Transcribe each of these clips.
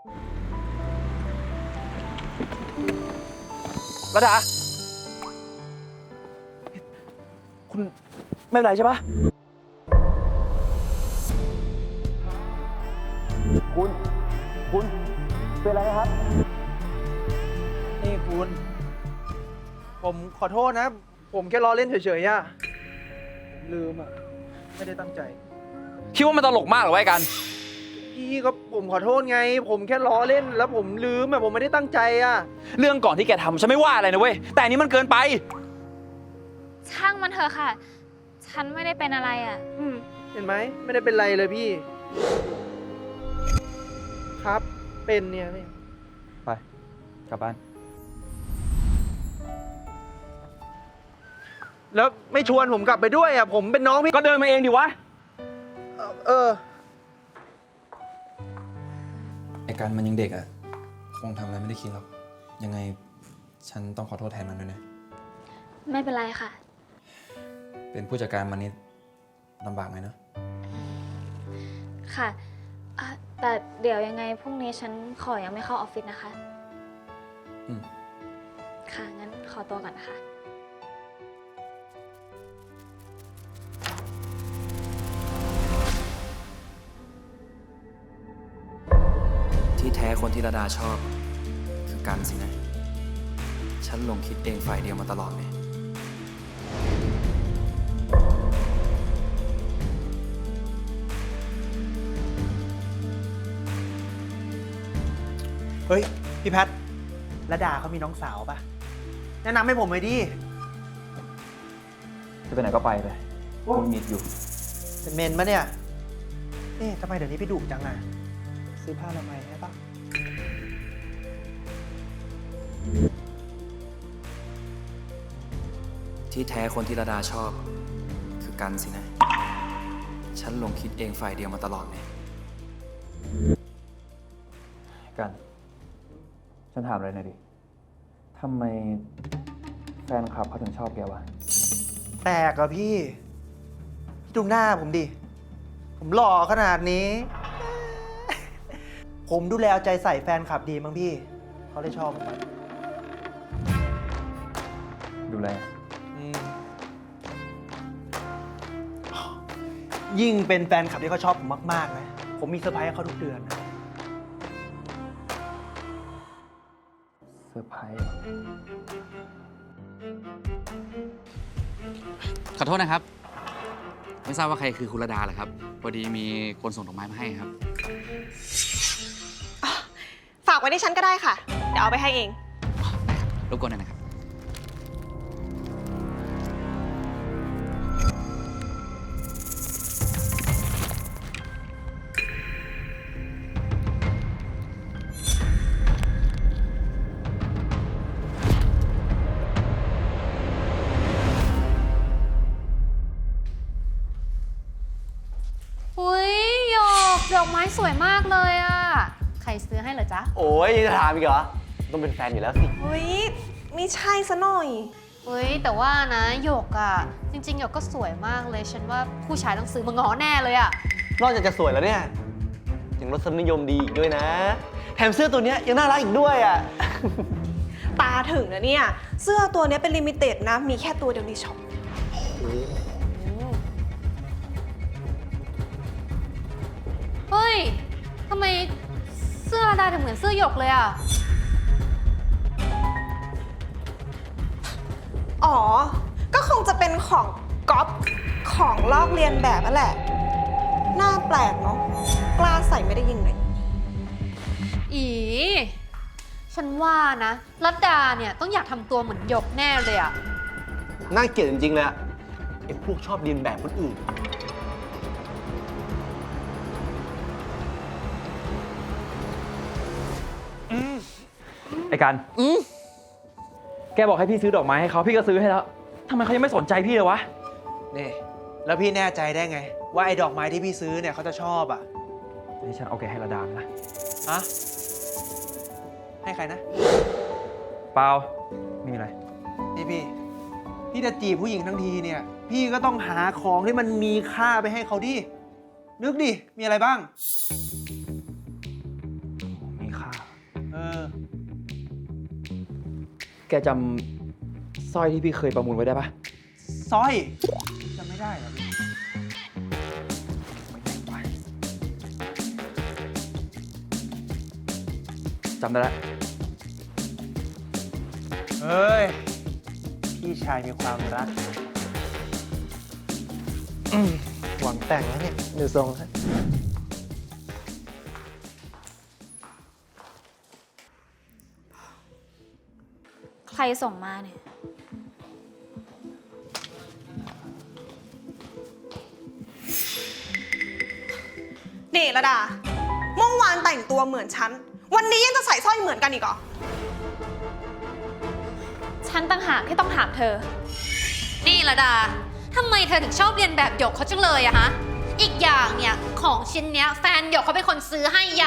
ระดาคุณไม่เป็นไรใช่ปะคุณเป็นไรนะครับนี่คุณ ผมขอโทษนะ ผมแค่ล้อเล่นเฉยๆอะผมลืมอะไม่ได้ตั้งใจคิดว่ามันตลกมากเหรอวะไอ้กันพี่ก็ผมขอโทษไง ผมแค่ล้อเล่นแล้วผมลืมอะผมไม่ได้ตั้งใจอะเรื่องก่อนที่แกทำฉันไม่ว่าอะไรนะเว้ยแต่อันนี้มันเกินไปช่างมันเถอะค่ะ ฉันไม่ได้เป็นอะไรอ่ะเห็นไหมไม่ได้เป็นไรเลยพี่ ครับเป็นเนี่ยพี่ไปกลับบ้านแล้วไม่ชวนผมกลับไปด้วยอะผมเป็นน้องพี่ก็เดินมาเองดิวะเออไอ้การมันยังเด็กอะคงทำอะไรไม่ได้คิดหรอก ยังไงฉันต้องขอโทษแทนมันด้วยนะไม่เป็นไรค่ะเป็นผู้จัดการมันนี่ลำบากไหมเนอะค่ะแต่เดี๋ยวยังไงพรุ่งนี้ฉันขอยังไม่เข้าออฟฟิศนะคะอืมค่ะ งั้นขอตัวก่อนนะคะที่แท้คนที่ระดาชอบ คือกันสินะ ฉันหลงคิดเองฝ่ายเดียวมาตลอดเลยเฮ้ย พี่แพทระดาเขามีน้องสาวปะแนะนำให้ผมเลยดิจะไปไหนก็ไปเลยคุณมิดอยู่เป็นเมนปะเนี่ยเอ๊ะทำไมเดี๋ยวนี้พี่ดุจังอ่ะ ซื้อผ้าละไมให้ปะที่แท้คนที่ระดาชอบ คือกันสินะ ฉันหลงคิดเองฝ่ายเดียวมาตลอดเลยกัน ฉันถามอะไรหน่อยดิทำไมแฟนคลับเขาถึงชอบแกวะแปลกอะพี่ พี่ดูหน้าผมดิ ผมหล่อขนาดนี้ ผมดูแลเอาใจใส่แฟนคลับดีมั้งพี่ เขาเลยชอบผมอะดูแลอืมยิ่งเป็นแฟนคลับที่เขาชอบผมมากๆนะ ผมมีเซอร์ไพรส์ให้เขาทุกเดือนนะเซอร์ไพรส์เหรอขอโทษนะครับ ไม่ทราบว่าใครคือคุณระดาเหรอครับ พอดีมีคนส่งดอกไม้มาให้ครับฝากไว้ที่ฉันก็ได้ค่ะ เดี๋ยวเอาไปให้เองรบกวนหน่อยนะครับอุ้ยหยกดอกไม้สวยมากเลยอ่ะ ใครซื้อให้เหรอจ๊ะโอ้ยยังจะถามอีกเหรอ ต้องเป็นแฟนอยู่แล้วสิเฮ้ยไม่ใช่ซะหน่อยเฮ้ย แต่ว่านะหยกอ่ะ จริงๆหยกก็สวยมากเลย ฉันว่าผู้ชายต้องซื้อมาง้อแน่เลยอ่ะนอกจากจะสวยแล้วเนี่ยยังรสนิยมดีอีกด้วยนะ แถมเสื้อตัวเนี้ยยังน่ารักอีกด้วยอ่ะตาถึงนะเนี่ย เสื้อตัวเนี้ยเป็นลิมิเต็ดนะ มีแค่ตัวเดียวในช็อปเฮ้ย ทำไมเสื้อดาถึงเหมือนเสื้อหยกเลยอ่ะอ๋อ ก็คงจะเป็นของก๊อปของลอกเลียนแบบนั่นแหละ หน้าแปลกเนาะ กล้าใส่ไม่ได้ยังไงอี ฉันว่านะรัตดาเนี่ยต้องอยากทำตัวเหมือนหยกแน่เลยอ่ะน่าเกลียดจริงๆเลยอะไอ้พวกชอบเรียนแบบคนอื่นไอ้กัน แกบอกให้พี่ซื้อดอกไม้ให้เขาพี่ก็ซื้อให้แล้วทำไมเขายังไม่สนใจพี่เลยวะนี่ แล้วพี่แน่ใจได้ไง ว่าไอ้ดอกไม้ที่พี่ซื้อเนี่ยเขาจะชอบอ่ะให้ฉันเอาแกให้ระดามนะฮะ ให้ใครนะเปล่าไม่มีอะไรพี่จะจีบผู้หญิงทั้งทีเนี่ย พี่ก็ต้องหาของที่มันมีค่าไปให้เขาดิ นึกดิ มีอะไรบ้างมีค่าแกจำสร้อยที่พี่เคยประมูลไว้ได้ปะสร้อยจะไม่ได้เหรอพี่จำได้แล้วเฮ้ย พี่ชายมีความรัก หวังแต่งแล้วเนี่ยดูทรงครับใครส่งมาเนี่ยนี่ระดา เมื่อวานแต่งตัวเหมือนฉัน วันนี้ยังจะใส่สร้อยเหมือนกันอีกเหรอฉันต่างหากที่ต้องถามเธอนี่ระดาทำไมเธอถึงชอบเรียนแบบหยกเขาจังเลยอะฮะ อีกอย่างเนี่ยของชิ้นเนี้ยแฟนหยกเขาเป็นคนซื้อให้อะ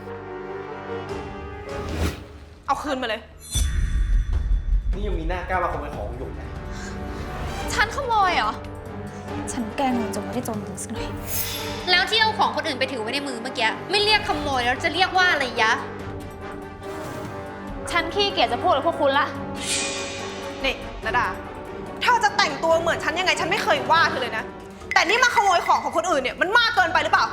เอาคืนมาเลยนี่ยังมีหน้ากล้ามาขโมยของหยกนะฉันขโมยเหรอ ฉันแกล้งมันจนไม่ได้จนถึงสักหน่อยแล้วที่เอาของคนอื่นไปถือไว้ในมือเมื่อกี้ไม่เรียกขโมยแล้วจะเรียกว่าอะไรยะฉันขี้เกียจจะพูดกับพวกคุณละนี่ระดา เธอจะแต่งตัวเหมือนฉันยังไงฉันไม่เคยว่าเธอเลยนะ แต่นี่มาขโมยของของคนอื่นเนี่ยมันมากเกินไปหรือเปล่า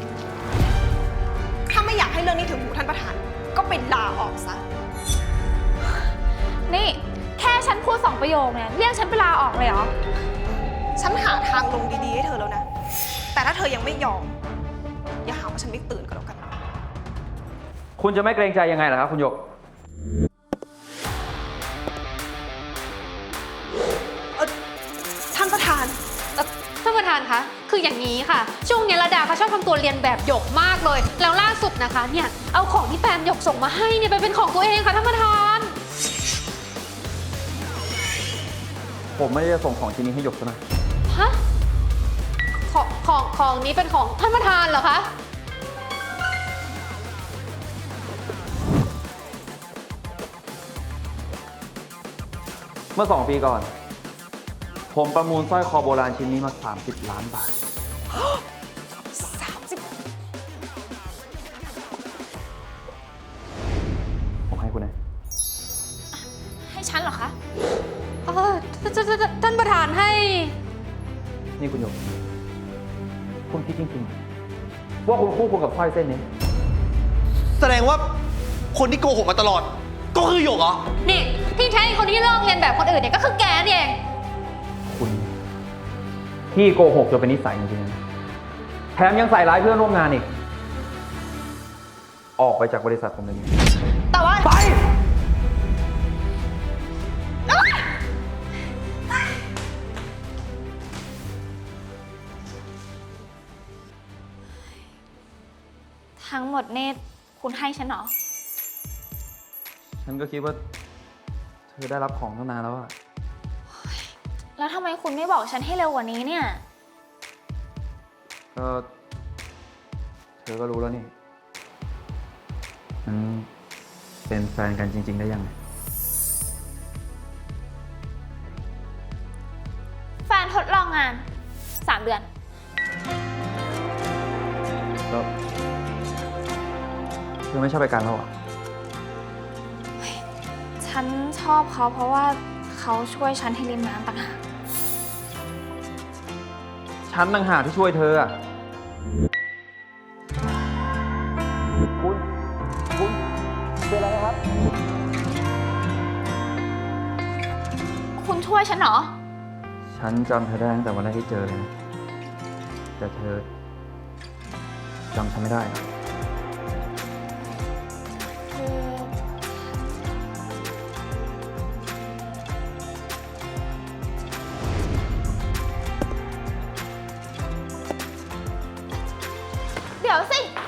ถ้าไม่อยากให้เรื่องนี้ถึงหูท่านประธาน ก็ไปลาออกซะนี่ แค่ฉันพูด2 ประโยคเนี่ยเรียกฉันไปลาออกเลยเหรอฉันหาทางลงดีๆให้เธอแล้วนะ แต่ถ้าเธอยังไม่ยอม อย่าหาว่าฉันไม่ตื่นก็แล้วกันคุณจะไม่เกรงใจยังไงล่ะครับคุณหยกท่านประธานท่านประธานคะ คืออย่างนี้ค่ะ ช่วงนี้ระดาเขาชอบทำตัวเรียนแบบหยกมากเลย แล้วล่าสุดนะคะเนี่ย เอาของที่แฟนหยกส่งมาให้เนี่ยไปเป็นของตัวเองค่ะท่านประธานผมไม่ได้จะส่งของชิ้นนี้ให้หยกซะหน่อยฮะ ของนี้เป็นของท่านประธานเหรอคะเมื่อ 2 ปีก่อน ผมประมูลสร้อยคอโบราณชิ้นนี้มา30 ล้านบาท ผมให้คุณนะให้ฉันเหรอคะท่านประธานให้นี่คุณหยก คุณคิดจริงๆ ว่าคุณคู่ควรกับสร้อยเส้นนี้แสดงว่าคนที่โกหกมาตลอด ก็คือหยกเหรอนี่ที่แท้คนที่เลิกเรียนแบบคนอื่นเนี่ยก็คือแกนี่เองคุณที่โกหกจนเป็นนิสัยจริงๆนะแถมยังใส่ร้ายเพื่อนร่วมงานอีก ออกไปจากบริษัทผมเลยนี้แต่ว่าไปทั้งหมดนี่คุณให้ฉันเหรอฉันก็คิดว่า เธอได้รับของตั้งนานแล้วอะแล้วทำไมคุณไม่บอกฉันให้เร็วกว่านี้เนี่ยก็เธอก็รู้แล้วนี่มันเป็นแฟนกันจริง ๆ ได้ยังไงแฟนทดลองงาน 3 เดือนแล้วเธอไม่ชอบไปกันแล้วเหรอฉันชอบเขาเพราะว่าเขาช่วยฉันให้ริมน้ำต่างหากฉันต่างหากที่ช่วยเธออะคุณเป็นอะไรครับคุณช่วยฉันเหรอฉันจำเธอได้ตั้งแต่วันแรกที่เจอเลยนะแต่เธอจำฉันไม่ได้อะคือ เดี๋ยวสิ